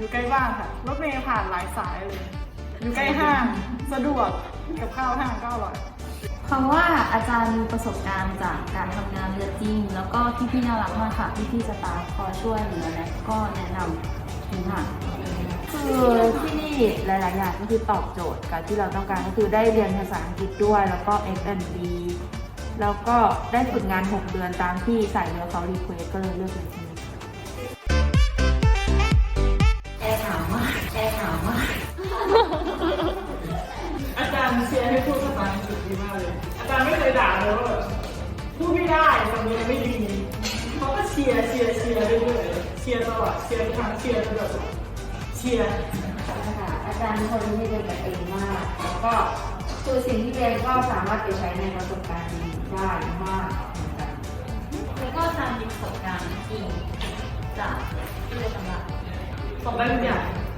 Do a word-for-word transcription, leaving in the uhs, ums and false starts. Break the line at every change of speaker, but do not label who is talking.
อยู่ใกล้บ้านค่ะรถเมล์ผ่านหลายสายเลยอยู่ใกล้ห้างสะดวกกับข้าวห้างก็อร่อย
คำว่าอาจารย์มีประสบการณ์จากการทำงานเรือจริงแล้วก็พี่ๆน่ารักมากค่ะพี่ๆสตาฟคอยช่วยเหลือและก็แนะนำทุกอย่าง
คือที่นี่หลายๆอย่างก็คือตอบโจทย์กับที่เราต้องการก็คือได้เรียนภาษาอังกฤษด้วยแล้วก็ เอส แอนด์ บี แล้วก็ได้ฝึกงานหกเดือนตามที่สายเรือเขารีเควสก็เลยเลือกเรียนที่นี่
แอร์หนาวมากแอร์หนาวมาก
อาจารย์เชียร์ให้พูดภาษาอังกฤษดีมากเลยอาจารย์ไม่เคยด่าเลยว่าแบบพูดไม่ได้ทำยังไม่ดีเขาก็เชียร์เชียร์เชียร์เรื่อยๆเชียร์ตลอดเชียร์ทุกครั้งเชียร์ตลอดเชียร์
ค่ะอาจารย์เป็นคนที่เรียนกับเองมากแล้วก็คือสิ่งที่เรียนก็สามารถไปใช้ในประสบการณ์ได้มากเหมือนกัน
แล้วก็อาจารย์มีประสบการณ์จริงจากที่เรียนตำรา
ตอบได้ทุกอย่าง